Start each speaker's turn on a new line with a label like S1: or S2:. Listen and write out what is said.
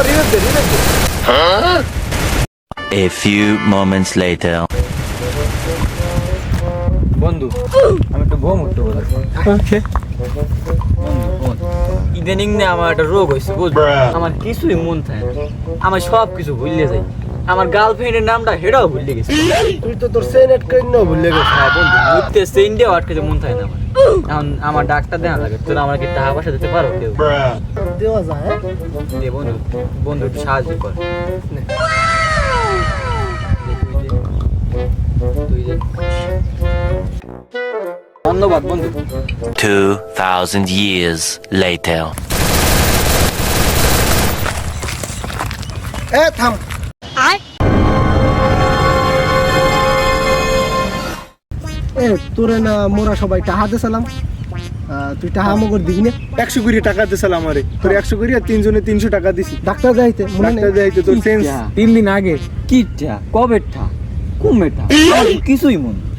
S1: A few moments later.
S2: বন্ধু আমি একটু ঘুম উঠতে বলে ইদানিং না আমার একটা রোগ হয়েছে বুঝলি আমার কিছুই মন থাকে না আমার সব কিছু ভুলে যাই আমার গার্লফ্রেন্ডের নামটা হেডাও ভুলে গেছি
S3: তুই তো তোর সেন এড করে নাও ভুলে গেছিস।
S2: হ্যাঁ বন্ধু মুহূর্তে সেন্ডে আটকে মন থাকে না আমার এখন আমার ডাক্তার দেখা লাগে তোরা আমার কি টাকা পয়সা দিতে পারো কেউ
S3: দেওয়া যায় হ্যাঁ?
S2: দে বন্ধু বন্ধু একটু সাহায্য কর নে। তুই দে। ধন্যবাদ বন্ধু
S1: 2,000 years later.
S3: থাম তোরে না মোরা সবাই টাহা দিয়েছিলাম তুই টাহা মগর দিবি না
S4: 100 করে টাকা দিছিলাম আমারে তোর 100 করে আর তিনজনে 300 টাকা দিছি
S3: ডাক্তার যাইতে মনে নেই
S4: ডাক্তার যাইতে তোর সেন্স
S2: 3 দিন আগে কিটা কবেরটা কুমেটা কিছুই মন